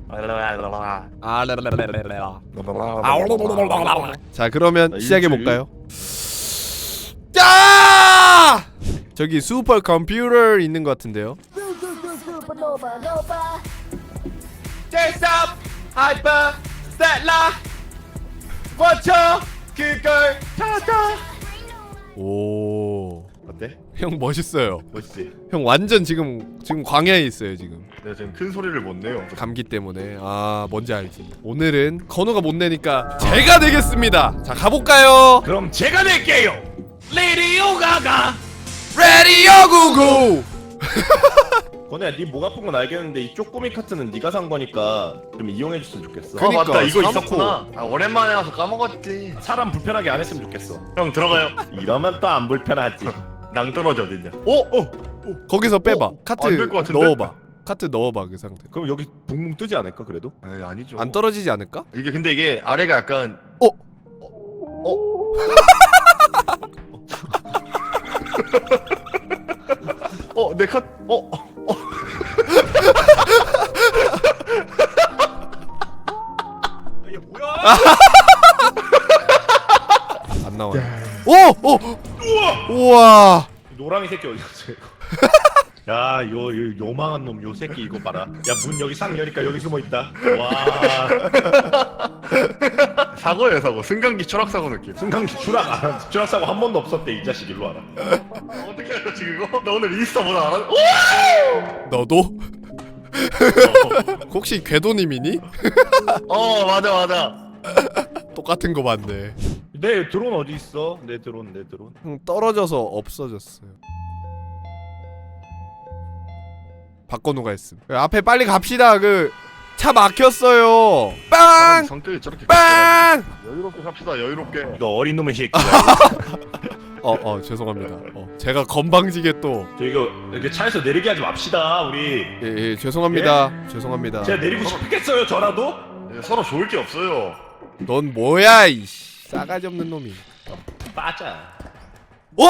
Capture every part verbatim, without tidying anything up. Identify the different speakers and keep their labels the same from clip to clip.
Speaker 1: 아, 자, 그러면 시작해 볼까요? 야! 저기 슈퍼 컴퓨터 있는 것 같은데요.
Speaker 2: 제이스톱 하이퍼 스텔라 원쳐 그걸 찾아.
Speaker 1: 오,
Speaker 2: 어때?
Speaker 1: 형 멋있어요.
Speaker 2: 멋있지?
Speaker 1: 형 완전 지금 지금 광야에 있어요 지금.
Speaker 2: 내가 지금 큰 소리를 못 내요.
Speaker 1: 감기 때문에. 아, 뭔지 알지. 오늘은 건우가 못 내니까 제가 내겠습니다. 자, 가볼까요?
Speaker 2: 그럼 제가 낼게요. 레디오 가가.
Speaker 1: 레디오 구구.
Speaker 2: 건우야, 네 목 아픈 건 알겠는데 이 쪼꼬미 카트는 네가 산 거니까 좀 이용해줬으면 좋겠어.
Speaker 1: 그니까,
Speaker 3: 아 맞다 이거
Speaker 1: 사놓고.
Speaker 3: 있었구나. 아, 오랜만에 와서 까먹었지.
Speaker 2: 사람 불편하게 안 했으면 좋겠어.
Speaker 3: 형 들어가요.
Speaker 2: 이러면 또 안 불편하지.
Speaker 3: 낭떠러지 어딨냐?
Speaker 2: 어? 어?
Speaker 1: 거기서 빼봐.
Speaker 3: 어?
Speaker 1: 카트
Speaker 3: 안될것 같은데?
Speaker 1: 넣어봐. 카트 넣어봐 그 상태.
Speaker 2: 그럼 여기 붕붕 뜨지 않을까 그래도?
Speaker 3: 에이 아니죠.
Speaker 1: 안 떨어지지 않을까?
Speaker 3: 이게 근데 이게 아래가 약간
Speaker 1: 어?
Speaker 3: 어? 어? 내 카.. 어? 어?
Speaker 2: 이게 뭐야?
Speaker 1: 안 나와. 오! 오!
Speaker 2: 우와!
Speaker 1: 우와!
Speaker 2: 노랑이 새끼 어디 갔어 이거? 야, 요, 요 요망한 놈 요 새끼 이거 봐라. 야, 문 여기 싹 여니까 여기 숨어 있다. 와.
Speaker 3: 사고예요 사고. 승강기 추락사고 느낌.
Speaker 2: 승강기 추락 안 한, 추락 사고 한 번도 없었대 이 자식. 일로 와라.
Speaker 3: 어떻게 알았지 그거? 나 오늘 인스타 보다 알았.. 오!
Speaker 1: 너도? 혹시 궤도님이니?
Speaker 3: 어 맞아 맞아.
Speaker 1: 똑같은 거 봤네.
Speaker 2: 내 드론 어디 있어? 내 드론, 내 드론.
Speaker 1: 형 떨어져서 없어졌어요. 박건우가 했음. 앞에 빨리 갑시다. 그 차 막혔어요. 빵!
Speaker 3: 성격이 저렇게
Speaker 1: 빵!
Speaker 3: 여유롭게 갑시다 여유롭게.
Speaker 2: 너 어린 놈의 새끼야.
Speaker 1: 어, 어, 죄송합니다. 어, 제가 건방지게 또
Speaker 2: 저 이거 이렇게 차에서 내리게 하지 맙시다 우리.
Speaker 1: 예, 예, 죄송합니다. 죄송합니다.
Speaker 2: 제가 내리고 싶겠어요 저라도?
Speaker 3: 네, 서로 좋을 게 없어요.
Speaker 1: 넌 뭐야, 이 싸가지 없는 놈이.
Speaker 2: 빠져.
Speaker 1: 오!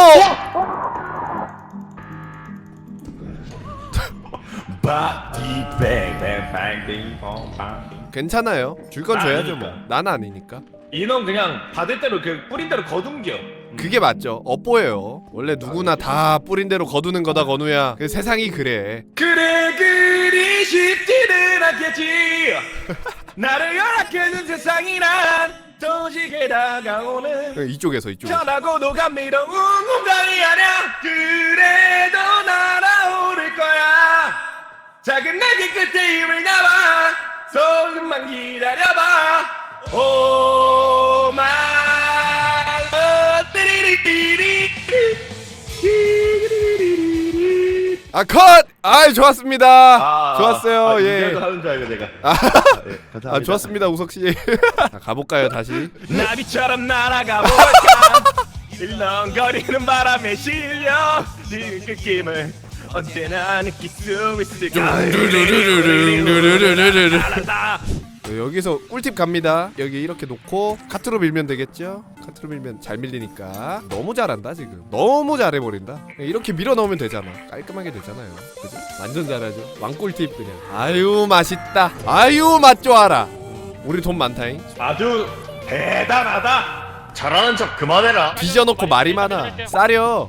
Speaker 2: 바디뱅뱅뱅뱅.
Speaker 1: 괜찮아요. 줄 건
Speaker 2: 나
Speaker 1: 줘야죠 뭐.
Speaker 2: 아니니까.
Speaker 1: 난 아니니까.
Speaker 2: 이놈 그냥 받을 대로 그 뿌린 대로 거둔겨.
Speaker 1: 그게 맞죠. 업보예요. 원래 누구나 다 뿌린 대로 거두는 거다, 건우야. 그 세상이 그래.
Speaker 2: 그래 그리 쉽지는 않겠지. 나를 열악해준 세상이란 도시게 다가오는
Speaker 1: 그 이쪽에서 이쪽.
Speaker 2: 편하고도 감미로운 공간이 아냐. 그래도 날아오를 거야. 작은 날개 끝에 힘을 남아 조금만 기다려봐. 오 마이
Speaker 1: 아, 컷! 아이, 좋았습니다.
Speaker 2: 아,
Speaker 1: 좋았어요.
Speaker 2: 아,
Speaker 1: 예.
Speaker 2: 이제도 하는 줄 알고 내가.
Speaker 1: 아,
Speaker 2: 네, 감사합니다.
Speaker 1: 아, 좋았습니다, 우석 씨. 자, 가볼까요, 다시?
Speaker 2: 나비처럼 날아가 볼까. 일렁거리는 바람에 실려 그 느낌을 언제나 느낄 수 있을까.
Speaker 1: 네, 여기서 꿀팁 갑니다. 여기 이렇게 놓고 카트로 밀면 되겠죠? 카트로 밀면 잘 밀리니까. 너무 잘한다 지금. 너무 잘해버린다. 이렇게 밀어 넣으면 되잖아. 깔끔하게 되잖아요. 그죠? 완전 잘하죠. 왕꿀팁 그냥. 아유 맛있다. 아유 맛 좋아라. 우리 돈 많다잉.
Speaker 2: 아주 대단하다.
Speaker 3: 잘하는 척 그만해라.
Speaker 1: 뒤져놓고 말이 많아. 싸려.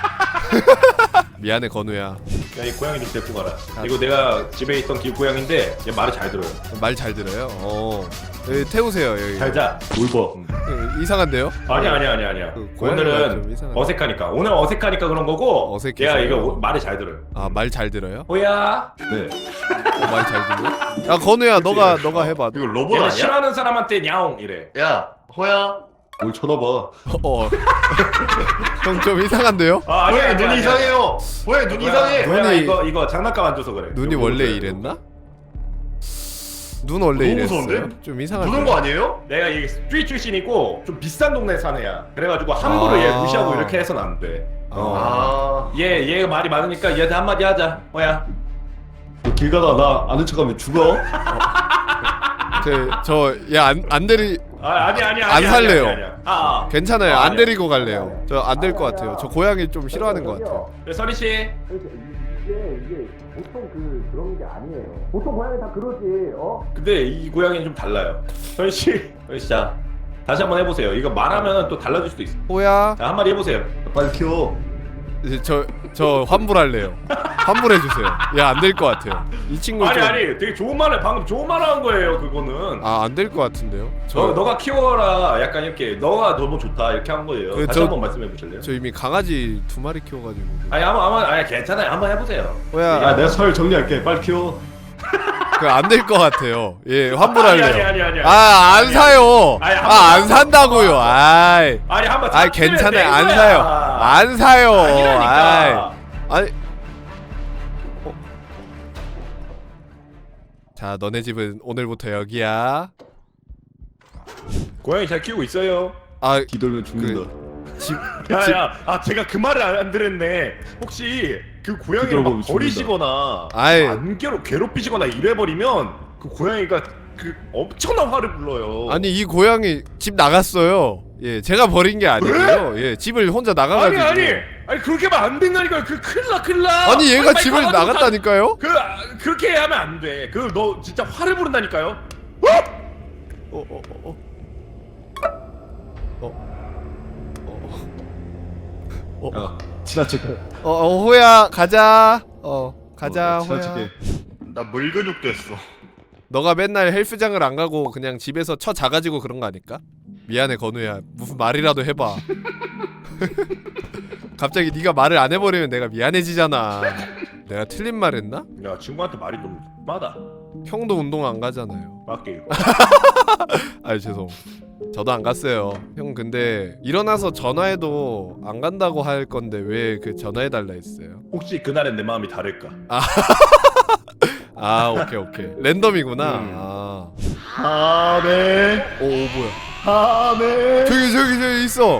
Speaker 1: 미안해 건우야.
Speaker 2: 야, 이 고양이 좀 데리고 가라. 이거 내가 집에 있던 길 고양인데 얘 말을 잘 들어요.
Speaker 1: 말 잘 들어요. 어. 여기 태우세요 여기.
Speaker 2: 잘 자. 울버.
Speaker 1: 어, 이상한데요?
Speaker 2: 아니야 아니야 아니야 아니야.
Speaker 1: 그 고양이가 좀
Speaker 2: 오늘은
Speaker 1: 이상하네.
Speaker 2: 어색하니까. 오늘 어색하니까 그런 거고.
Speaker 1: 어색해서.
Speaker 2: 얘가 이거 오- 말을 잘 들어요.
Speaker 1: 아 말 잘 들어요?
Speaker 2: 호야. 네.
Speaker 1: 어, 말 잘 들려? 야 건우야 너가 너가 해봐.
Speaker 3: 이거 로봇
Speaker 2: 얘는
Speaker 3: 아니야?
Speaker 2: 싫어하는 사람한테 냐옹 이래.
Speaker 3: 야 호야.
Speaker 2: 뭘 쳐다봐.
Speaker 1: 어. 형 좀 이상한데요?
Speaker 2: 아
Speaker 3: 호야 눈 이상해요. 호야 눈 이상해.
Speaker 1: 눈이-
Speaker 2: 눈이 이거 이거 장난감 안 줘서 그래.
Speaker 1: 눈이
Speaker 2: 이거
Speaker 1: 원래
Speaker 2: 보세요.
Speaker 1: 이랬나? 눈 원래
Speaker 3: 너무
Speaker 1: 이랬어요?
Speaker 3: 무서운데?
Speaker 1: 좀 이상한데.
Speaker 3: 부는 거 아니에요?
Speaker 2: 내가 이 스트리트 출신이고 좀 비싼 동네 사는 애야. 그래가지고 함부로
Speaker 1: 아.
Speaker 2: 얘 무시하고 이렇게 해서는 안 돼.
Speaker 1: 어.
Speaker 3: 아.
Speaker 2: 얘 얘가 말이 많으니까 얘한테 한마디 하자. 호야.
Speaker 4: 길 가다 나 아는 척하면 죽어.
Speaker 1: 저얘안 안 데리
Speaker 2: 아 아니 아니
Speaker 1: 안
Speaker 2: 아니.
Speaker 1: 살래요.
Speaker 2: 아니, 아니, 아니. 아, 아.
Speaker 1: 괜찮아요.
Speaker 2: 아,
Speaker 1: 안
Speaker 2: 아니야.
Speaker 1: 데리고 갈래요. 저 안 될 것 같아요. 저 고양이 좀 싫어하는 것 같아요.
Speaker 2: 네, 서리 씨.
Speaker 1: 이게 이게 보통 그 그런 게 아니에요. 보통 고양이 다 그러지. 어?
Speaker 2: 근데 이 고양이는 좀 달라요. 현씨, 현씨 자 다시 한번 해보세요. 이거 말하면 또 달라질 수도 있어.
Speaker 1: 호야.
Speaker 2: 자, 한 마디 해보세요.
Speaker 4: 빨리 키워.
Speaker 1: 저 저 환불할래요. 환불해 주세요. 야, 안 될 것 같아요. 이 친구
Speaker 2: 아니
Speaker 1: 좀...
Speaker 2: 아니, 되게 좋은 말을 방금 좋은 말을 한 거예요. 그거는.
Speaker 1: 아, 안 될 것 같은데요. 저
Speaker 2: 너, 너가 키워라. 약간 이렇게 너가 너무 좋다 이렇게 한 거예요.
Speaker 1: 그,
Speaker 2: 다시
Speaker 1: 저-
Speaker 2: 한번 말씀해 보실래요?
Speaker 1: 저 이미 강아지 두 마리 키워가지고.
Speaker 2: 아니 아마 아마 아니 괜찮아요. 한번 해보세요.
Speaker 1: 호야.
Speaker 4: 야 내가 설 정리할게. 빨리 키워.
Speaker 1: 그 안 될 것 같아요. 예,
Speaker 2: 아니
Speaker 1: 환불할래요.
Speaker 2: 아니 아니 아니.
Speaker 1: 아, 안 사요.
Speaker 2: 아니, 한
Speaker 1: 아, 안
Speaker 2: 번-
Speaker 1: 산다고요. 아이.
Speaker 2: 아니 한번.
Speaker 1: 아,
Speaker 2: 참
Speaker 1: 괜찮아요.
Speaker 2: 낸
Speaker 1: 안
Speaker 2: 거야.
Speaker 1: 사요. 안 사요.
Speaker 2: 아니라니까.
Speaker 1: 아이. 아니. 어. 자, 너네 집은 오늘부터 여기야.
Speaker 2: 고양이 잘 키우고 있어요.
Speaker 1: 아,
Speaker 4: 뒤돌면 죽는다.
Speaker 1: 집. 집.
Speaker 2: 야야, 아 제가 그 말을 안, 안 들었네. 혹시 그 고양이를 막
Speaker 4: 뒤돌아보면
Speaker 2: 버리시거나
Speaker 1: 아이.
Speaker 2: 안 괴롭 괴롭히시거나 이래버리면 그 고양이가 그 엄청난 화를 불러요.
Speaker 1: 아니, 이 고양이 집 나갔어요. 예, 제가 버린 게 아니고요. 예, 집을 혼자
Speaker 2: 아니
Speaker 1: 나가가지고.
Speaker 2: 아니 아니 그렇게 하면 안 된다니까요. 그 큰일 나 큰일 나.
Speaker 1: 아니, 얘가
Speaker 2: 빨리
Speaker 1: 집을
Speaker 2: 가가지고
Speaker 1: 나갔다니까요?
Speaker 2: 그 아, 그렇게 하면 안 돼. 그 너 진짜 화를 부른다니까요.
Speaker 1: 어, 어, 어, 어. 어. 어.
Speaker 4: 야 지나칠게.
Speaker 1: 어, 어, 호야, 가자. 어, 가자,
Speaker 4: 어,
Speaker 1: 호야.
Speaker 4: 지나칠게.
Speaker 3: 나 물근육 됐어.
Speaker 1: 너가 맨날 헬스장을 안 가고 그냥 집에서 쳐 자가지고 그런 거 아닐까? 미안해, 건우야. 무슨 말이라도 해봐. 갑자기 네가 말을 안 해버리면 내가 미안해지잖아. 내가 틀린 말 했나?
Speaker 2: 야 친구한테 말이 좀 마다.
Speaker 1: 형도 운동 안 가잖아요.
Speaker 2: 맞게.
Speaker 1: 아이, 죄송. 저도 안 갔어요. 형, 근데 일어나서 전화해도 안 간다고 할 건데 왜 그 전화해달라 했어요?
Speaker 2: 혹시 그날은 내 마음이 다를까?
Speaker 1: 아, 오케이, 오케이. 랜덤이구나.
Speaker 2: 음.
Speaker 1: 아.
Speaker 3: 하네.
Speaker 1: 오, 오, 뭐야.
Speaker 3: 하네.
Speaker 1: 저기, 저기, 저기 있어.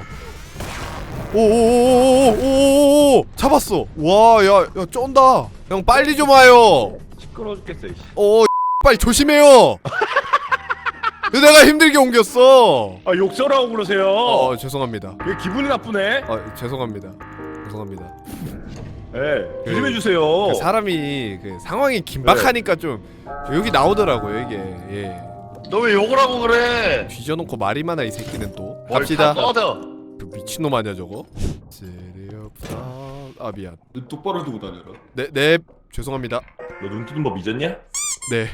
Speaker 1: 오오오오오오오 잡았어. 와, 야, 야, 쫀다. 형, 빨리 좀 와요.
Speaker 2: 시끄러워 죽겠어. 이씨.
Speaker 1: 어, 빨리 조심해요. 내가 힘들게 옮겼어.
Speaker 2: 아 욕설하고 그러세요.
Speaker 1: 어, 죄송합니다.
Speaker 2: 왜 기분이 나쁘네?
Speaker 1: 어, 죄송합니다. 죄송합니다.
Speaker 2: 예, 네, 조심해 주세요.
Speaker 1: 그 사람이 그 상황이 긴박하니까 좀 여기 나오더라고요, 이게. 예.
Speaker 3: 너 왜 욕을 하고 그래?
Speaker 1: 뒤져놓고 말이 많아, 이 새끼는 또.
Speaker 3: 뭘
Speaker 1: 갑시다.
Speaker 3: 다 꺼져.
Speaker 1: 그 미친놈 아니야, 저거? 세리없다. 아, 미안.
Speaker 4: 눈 똑바로 두고 다녀라.
Speaker 1: 네, 네. 죄송합니다.
Speaker 2: 너 눈 뜨는 법 잊었냐?
Speaker 1: 네.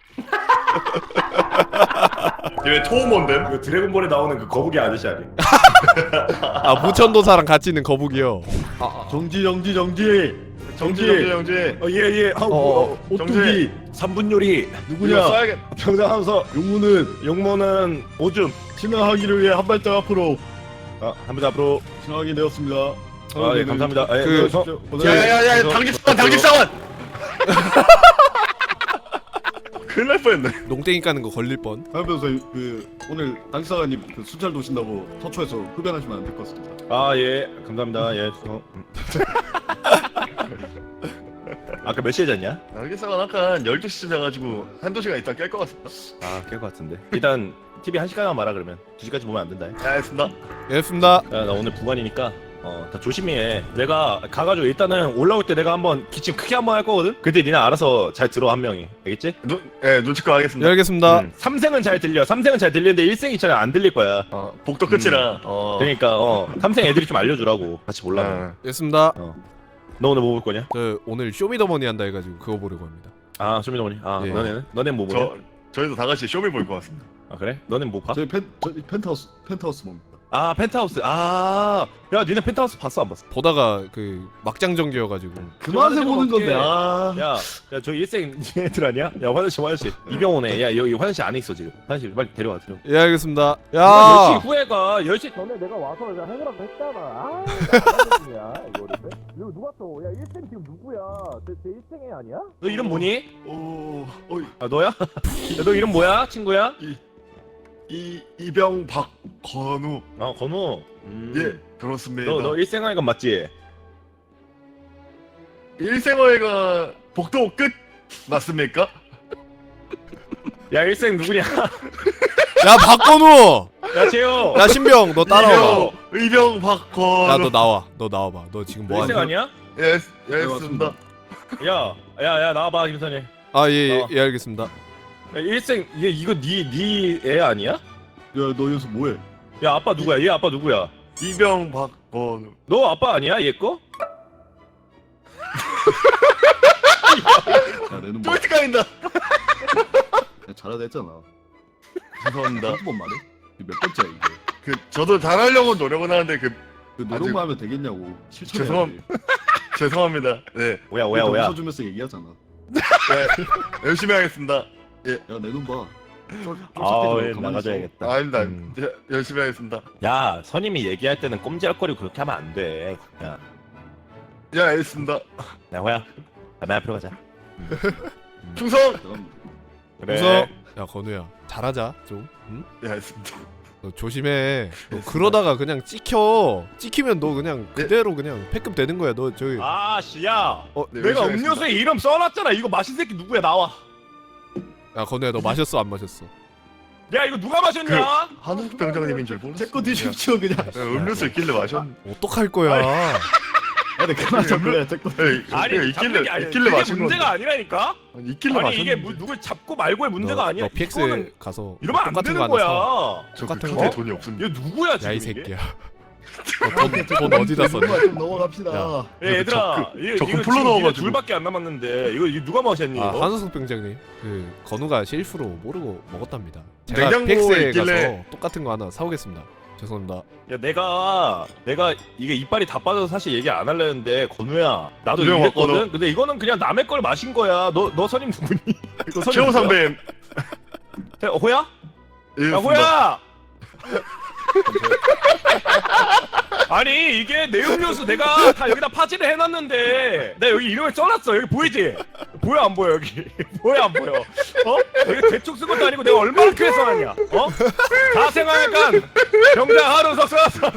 Speaker 3: 얘 토모인데?
Speaker 2: 그 드래곤볼에 나오는 그 거북이 아저씨 아니?
Speaker 1: 아, 무천도사랑 같이 있는 거북이요.
Speaker 4: 정지 정지 정지.
Speaker 3: 정지 정지 정지.
Speaker 2: 어 예예. 예. 아,
Speaker 1: 어,
Speaker 2: 뭐,
Speaker 4: 오뚜기
Speaker 2: 삼 분 요리.
Speaker 3: 이거
Speaker 4: 누구냐?
Speaker 3: 써야겠.
Speaker 4: 평상하면서 용무는
Speaker 2: 용모는 오줌.
Speaker 4: 진화하기를 위해 한 발짝 앞으로
Speaker 2: 아, 한번 앞으로.
Speaker 4: 진화하게 되었습니다.
Speaker 2: 아, 예, 감사합니다. 아, 예,
Speaker 1: 그-
Speaker 2: 저-
Speaker 3: 야야야야
Speaker 2: 저-
Speaker 3: 당직사원 당직사원. 큰일 날 뻔했네.
Speaker 1: 농땡이 까는 거 걸릴 뻔.
Speaker 4: 하면서 그 오늘 당사관님 그 순찰 도신다고 서초에서 흡연하시면 안 될 것 같습니다.
Speaker 2: 아, 예. 감사합니다. 예. 저... 아까 몇 시에 잤냐?
Speaker 3: 당직사원 아까 열두 시쯤 자가지고 한두 시간 있다 깰 것 같습니다.
Speaker 2: 아, 깰 것 같은데. 일단 티비 한 시간만 말아 그러면. 두 시까지 보면 안 된다.
Speaker 3: 야, 알겠습니다.
Speaker 1: 예, 알겠습니다.
Speaker 2: 야, 나 오늘 부관이니까 어, 다 조심히 해. 내가 가가지고 일단은 올라올 때 내가 한번 기침 크게 한번 할 거거든? 그때 니네 알아서 잘 들어, 한 명이. 알겠지?
Speaker 3: 눈, 예, 눈치껏
Speaker 1: 예,
Speaker 3: 하겠습니다.
Speaker 1: 알겠습니다.
Speaker 2: 음. 삼생은 잘 들려. 삼생은 잘 들리는데 일생이 잘 안 들릴 거야.
Speaker 3: 어, 복도 끝이라. 어.
Speaker 2: 그러니까 어, 삼생 애들이 좀 알려주라고. 같이 몰라.
Speaker 3: 어.
Speaker 1: 알겠습니다.
Speaker 2: 너 오늘 뭐 볼 거냐?
Speaker 1: 저 오늘 쇼미더머니 한다 해가지고 그거 보려고 합니다.
Speaker 2: 아, 쇼미더머니. 아,
Speaker 1: 예.
Speaker 2: 너네는? 너넨 뭐 보냐?
Speaker 3: 저 저희도 다 같이 쇼미 볼 것 같습니다.
Speaker 2: 아, 그래? 너넨 뭐 봐?
Speaker 4: 저희 펜 저희 펜트하우스 펜트하우스 뭡니까?
Speaker 2: 아, 펜트하우스. 아, 야, 니네 펜트하우스 봤어, 안 봤어?
Speaker 1: 보다가 그 막장 전기여가지고.
Speaker 4: 그만해 보는 건데. 아.
Speaker 2: 야, 야, 저 일생 애들 아니야? 야, 화장실, 화장실. 이병호네. 야, 여기 화장실 안에 있어 지금. 화장실 빨리 데려와, 데려와.
Speaker 1: 예, 알겠습니다.
Speaker 2: 야,
Speaker 1: 야.
Speaker 2: 열 시 후에 가. 열 시
Speaker 1: 전에 내가 와서 내가 해보라고 했잖아. 아, 야 이거를. 이거 누가 또? 야, 일생 지금 누구야? 제, 제 일생애 아니야?
Speaker 2: 너 이름 뭐니?
Speaker 4: 오. 어이.
Speaker 2: 아, 너야? 야, 너 이름 뭐야, 친구야?
Speaker 3: 이 이병 박건우.
Speaker 2: 아, 건우. 음.
Speaker 3: 예, 그렇습니다.
Speaker 2: 너, 너 일생활관 맞지?
Speaker 3: 일생활가 복도 끝 맞습니까?
Speaker 2: 야, 일생 누구냐?
Speaker 1: 야, 박건우.
Speaker 2: 야, 재호.
Speaker 1: 야, 신병, 너 따라와봐.
Speaker 3: 이병, 이병 박건우.
Speaker 1: 야, 너 나와. 너 나와봐. 너 지금 뭐
Speaker 2: 일생
Speaker 1: 하냐?
Speaker 2: 아니야?
Speaker 3: 예, 예, 알겠습니다.
Speaker 2: 야, 야, 야, 나와봐 김선희.
Speaker 1: 아 예 예
Speaker 2: 나와.
Speaker 1: 예, 알겠습니다.
Speaker 2: 야, 일생 얘 이거 니니 애 아니야?
Speaker 4: 야너 여기서 뭐해?
Speaker 2: 야 아빠 누구야? 얘 아빠 누구야?
Speaker 3: 이병 박건우.
Speaker 2: 너 아빠 아니야 얘 거?
Speaker 4: 야 내는 뭐
Speaker 3: 쫄티까인다.
Speaker 4: 야, 잘하다 했잖아.
Speaker 3: 죄송합니다.
Speaker 4: 한두 번 말해? 이게 몇 번째야 이게?
Speaker 3: 그 저도 잘하려고 노력은 하는데 그
Speaker 4: 그 노력만 하면 되겠냐고. 실천해야
Speaker 3: 죄송함-
Speaker 4: 돼.
Speaker 3: 죄송합니다. 네,
Speaker 2: 오야 오야 오야.
Speaker 4: 웃어주면서 얘기하잖아.
Speaker 3: 네 열심히 하겠습니다.
Speaker 4: 야 내 눈 봐.
Speaker 2: 아, 예, 나가줘야겠다.
Speaker 3: 아닙니다.
Speaker 2: 음.
Speaker 3: 네, 열심히 하겠습니다.
Speaker 2: 야, 선임이 얘기할 때는 꼼지락거리고 그렇게 하면 안 돼. 야,
Speaker 3: 예, 알겠습니다.
Speaker 2: 야 호야, 담배 앞으로 가자.
Speaker 3: 충성.
Speaker 2: 그래.
Speaker 1: 우선 야 건우야 잘하자 좀. 응?
Speaker 3: 예, 알겠습니다.
Speaker 1: 너 조심해. 너 그러다가 그냥 찍혀. 찍히면 너 그냥 그대로 그냥 패급 되는 거야. 너 저기
Speaker 2: 아, 씨야.
Speaker 1: 어,
Speaker 3: 네,
Speaker 2: 내가
Speaker 3: 열심히
Speaker 2: 음료수에 이름 써놨잖아. 이거 마신 새끼 누구야? 나와.
Speaker 1: 야 건우야 너 마셨어 안 마셨어?
Speaker 2: 야, 이거 누가 마셨냐?
Speaker 3: 한국 병장님인 줄 모르겠어요.
Speaker 4: 제거 드십시오 그냥.
Speaker 3: 네, 음료수 있길래 마셨.
Speaker 1: 어떡할 거야?
Speaker 4: 아니 그만하자 그래 제거.
Speaker 3: 네,
Speaker 2: 아니,
Speaker 3: 있길래
Speaker 2: 잡는 게 아니야.
Speaker 3: 있길래
Speaker 2: 그게
Speaker 3: 마신
Speaker 2: 문제가
Speaker 3: 건데.
Speaker 2: 아니라니까.
Speaker 3: 아니, 있길래
Speaker 2: 아니
Speaker 3: 마셨는데.
Speaker 2: 이게 뭐 누굴 잡고 말고의 문제가
Speaker 1: 너,
Speaker 2: 아니야.
Speaker 1: 너 피엑스
Speaker 2: 이거는
Speaker 1: 가서
Speaker 2: 이러면 안
Speaker 1: 똑같은
Speaker 2: 되는
Speaker 1: 거 하나 사.
Speaker 2: 거야.
Speaker 3: 저
Speaker 1: 똑같은
Speaker 3: 그렇게
Speaker 1: 거?
Speaker 3: 돈이 없습니다.
Speaker 2: 이거 누구야
Speaker 1: 야
Speaker 2: 지금
Speaker 1: 이
Speaker 2: 이게?
Speaker 1: 새끼야. 너 돈, 돈 어디다 썼냐?
Speaker 4: 좀 넘어갑시다.
Speaker 1: 야.
Speaker 2: 야, 얘들아,
Speaker 3: 저-
Speaker 2: 이거
Speaker 3: 저
Speaker 2: 이거
Speaker 3: 풀로
Speaker 2: 지금
Speaker 3: 넣어가지고.
Speaker 2: 니네 둘밖에 안 남았는데 이거, 이거 누가 마셨니
Speaker 1: 아
Speaker 2: 이거?
Speaker 1: 한우석 병장님 그 건우가 실수로 모르고 먹었답니다. 제가
Speaker 3: 냉장고에
Speaker 1: 피엑스에
Speaker 3: 있길래-
Speaker 1: 가서 똑같은 거 하나 사오겠습니다. 죄송합니다.
Speaker 2: 야, 내가 내가 이게 이빨이 다 빠져서 사실 얘기 안 하려는데 건우야, 나도
Speaker 3: 이병
Speaker 2: 이랬거든.
Speaker 3: 왔거든.
Speaker 2: 근데 이거는 그냥 남의 걸 마신 거야. 너 너 선임 누구니? 너 선임
Speaker 3: 최호
Speaker 2: 누구야?
Speaker 3: 선배.
Speaker 2: 야, 호야?
Speaker 3: 예,
Speaker 2: 야, 호야! 아니 이게 내 음료수 내가 다 여기다 파지를 해놨는데 내가 여기 이름을 써놨어. 여기 보이지? 보여 안 보여 여기? 보여 안 보여? 어? 여기 대충 쓴 것도 아니고 내가 얼마나 크게 써놨냐? 어? 다 생각하니까 병장 하루석 써놨어.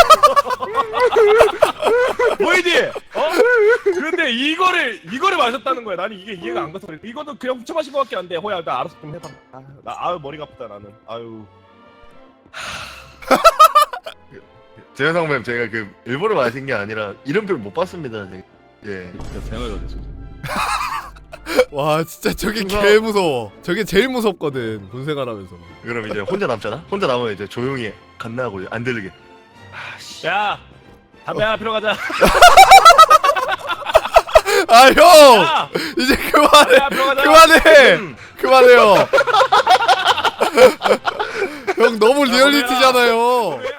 Speaker 2: 보이지? 어? 근데 이거를 이거를 마셨다는 거야. 나는 이게 이해가 안 가서 그래. 이거는 그냥 훔쳐 마신 것밖에 안 돼. 호야 나 알아서 좀 해봐. 아, 나 아유 머리가 아프다 나는. 아유.
Speaker 3: 재현 선배님 제가 그 일부러 마신 게 아니라 이름표를 못 봤습니다. 제가. 예.
Speaker 4: 야 생활가 됐어.
Speaker 1: 와 진짜 저게
Speaker 3: 그거-
Speaker 1: 개 무서워. 저게 제일 무섭거든 군생활하면서.
Speaker 3: 그럼 이제 혼자 남잖아. 혼자 남으면 이제 조용히 간나하고 안 들리게. 아씨.
Speaker 2: 야 담배 하나 피러 가자.
Speaker 1: 아 형!
Speaker 2: 야
Speaker 1: 이제
Speaker 2: 담배
Speaker 1: 그만해.
Speaker 2: 하나 피러 가자.
Speaker 1: 그만해.
Speaker 2: 음.
Speaker 1: 그만해요. 형 너무 리얼리티잖아요.